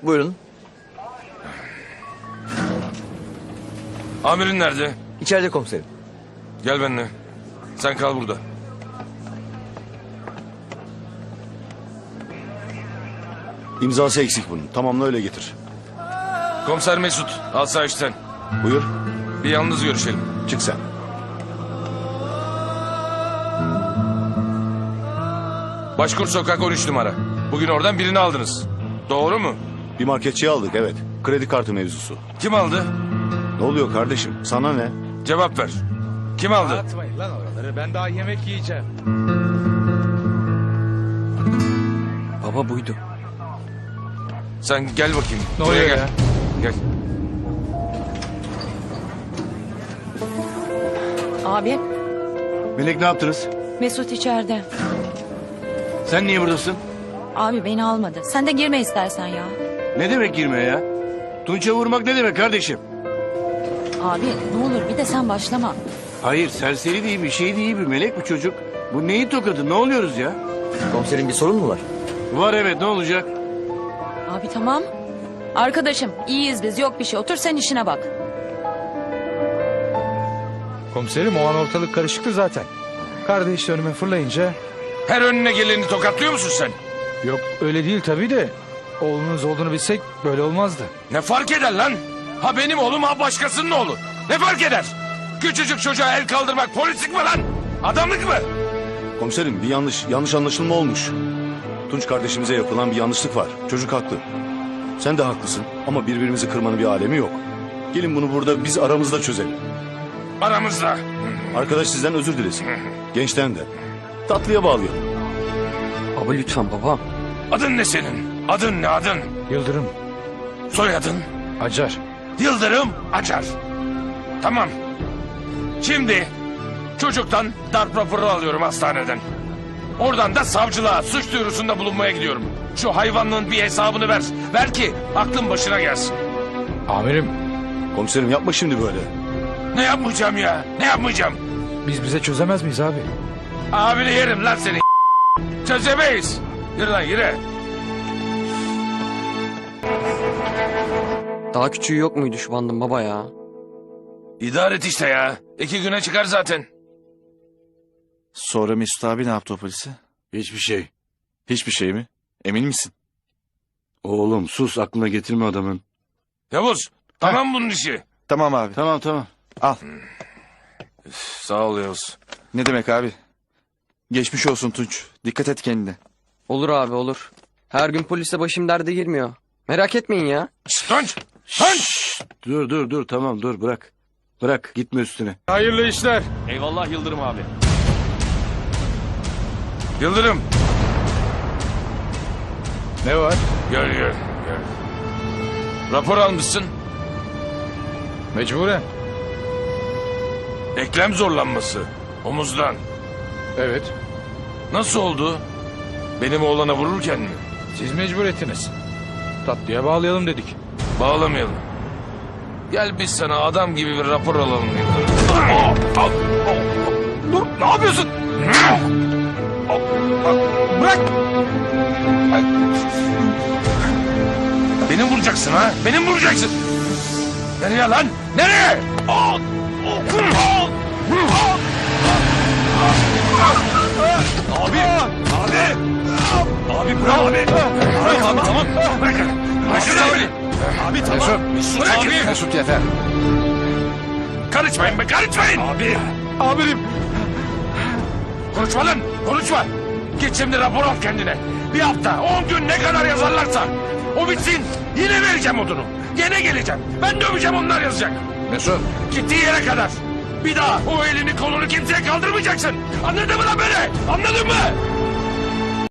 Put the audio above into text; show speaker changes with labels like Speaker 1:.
Speaker 1: Buyurun.
Speaker 2: Amirin nerede?
Speaker 1: İçeride komiserim.
Speaker 2: Gel benimle. Sen kal burada.
Speaker 3: İmzası eksik bunun. Tamamla öyle getir.
Speaker 2: Komiser Mesut, asayişten.
Speaker 3: Buyur.
Speaker 2: Bir yalnız görüşelim.
Speaker 3: Çık sen.
Speaker 2: Başkur Sokak 13 numara. Bugün oradan birini aldınız. Doğru mu?
Speaker 3: Bir marketçiyi aldık, evet. Kredi kartı mevzusu.
Speaker 2: Kim aldı?
Speaker 3: Ne oluyor kardeşim? Sana ne?
Speaker 2: Cevap ver. Kim aldı?
Speaker 4: Atmayın lan oraları. Ben daha yemek yiyeceğim.
Speaker 1: Baba buydu.
Speaker 2: Sen gel bakayım.
Speaker 4: Ne
Speaker 2: Buraya
Speaker 4: oluyor
Speaker 2: gel.
Speaker 4: ya?
Speaker 2: Gel.
Speaker 5: Abi,
Speaker 6: Melek ne yaptınız?
Speaker 5: Mesut içeride.
Speaker 6: Sen niye buradasın?
Speaker 5: Abi beni almadı. Sen de girme istersen ya.
Speaker 6: Ne demek girmeye ya? Tunç'a vurmak ne demek kardeşim?
Speaker 5: Abi ne olur bir de sen başlama.
Speaker 6: Hayır serseri değil bir şey değil bir melek bu çocuk. Bu neyin tokadı ne oluyoruz ya?
Speaker 1: Komiserim bir sorun mu var?
Speaker 6: Var evet ne olacak?
Speaker 5: Abi tamam. Arkadaşım iyiyiz biz, yok bir şey. Otur sen işine bak.
Speaker 4: Komiserim o an ortalık karışıktı zaten. Kardeş önüme fırlayınca...
Speaker 2: Her önüne geleni tokatlıyor musun sen?
Speaker 4: Yok öyle değil tabii de... Oğlunuz olduğunu bilsek böyle olmazdı.
Speaker 2: Ne fark eder lan? Ha benim oğlum ha başkasının oğlu. Ne fark eder? Küçücük çocuğa el kaldırmak polislik mi lan? Adamlık mı?
Speaker 3: Komiserim bir yanlış anlaşılma olmuş. Tunç kardeşimize yapılan bir yanlışlık var. Çocuk haklı. Sen de haklısın ama birbirimizi kırmanın bir alemi yok. Gelin bunu burada biz aramızda çözelim.
Speaker 2: Aramızda.
Speaker 3: Arkadaş sizden özür dilesin. Gençten de. Tatlıya bağlayalım.
Speaker 1: Baba lütfen baba.
Speaker 2: Adın ne senin? Adın ne adın?
Speaker 4: Yıldırım,
Speaker 2: Soyadın?
Speaker 4: Acar.
Speaker 2: Yıldırım Acar. Tamam. Şimdi çocuktan darp raporu alıyorum hastaneden. Oradan da savcılığa suç duyurusunda bulunmaya gidiyorum. Şu hayvanlığın bir hesabını ver. Ver ki aklın başına gelsin.
Speaker 4: Amirim,
Speaker 3: Komiserim yapma şimdi böyle.
Speaker 2: Ne yapmayacağım ya? Ne yapmayacağım?
Speaker 4: biz bize çözemez miyiz abi?
Speaker 2: Abini yerim lan seni. Çözemeyiz. Yürü lan yürü.
Speaker 1: Daha küçüğü yok muydu şu bandın baba ya?
Speaker 2: İdare et işte ya. 2 güne çıkar zaten.
Speaker 7: Sonra Mesut abi ne yaptı o polise?
Speaker 6: Hiçbir şey.
Speaker 7: Hiçbir şey mi? Emin misin?
Speaker 6: Oğlum sus aklına getirme adamın.
Speaker 2: Yavuz tamam bunun işi.
Speaker 7: Tamam abi.
Speaker 6: Tamam.
Speaker 7: Al.
Speaker 2: Sağ ol Yavuz.
Speaker 7: Ne demek abi? Geçmiş olsun Tunç. Dikkat et kendine.
Speaker 1: Olur abi olur. Her gün polisle başım derde girmiyor. Merak etmeyin ya.
Speaker 2: Tunç. Tunç.
Speaker 6: Dur tamam dur bırak. Bırak gitme üstüne.
Speaker 4: Hayırlı işler.
Speaker 2: Eyvallah Yıldırım abi. Yıldırım.
Speaker 4: Ne var?
Speaker 2: Gel. Rapor almışsın.
Speaker 4: Mecburen.
Speaker 2: Eklem zorlanması. Omuzdan.
Speaker 4: Evet.
Speaker 2: Nasıl oldu? Benim oğlana vururken mi?
Speaker 4: Siz mecbur ettiniz. Tatlıya bağlayalım dedik.
Speaker 2: Bağlamayalım. Gel biz sana adam gibi bir rapor alalım Yıldırım. Dur ne yapıyorsun? Bırak. Beni vuracaksın ha? Beni mi vuracaksın? Nereye lan? Nereye? Abi! Abi bırak abi! Abi tamam! Bırak! Mesut abi! Abi tamam! Mesut abi!
Speaker 7: Mesut yeter.
Speaker 2: Karışmayın be karışmayın! Abi!
Speaker 4: Amirim.
Speaker 2: Konuşma lan! Konuşma! Git şimdi rapor al kendine. Bir hafta, 10 gün ne kadar yazarlarsa. O bitsin. Yine vereceğim odunu. Yine geleceğim. Ben döveceğim onlar yazacak.
Speaker 4: Mesut.
Speaker 2: Gittiği yere kadar. Bir daha o elini kolunu kimseye kaldırmayacaksın. Anladın mı lan beni? Anladın mı?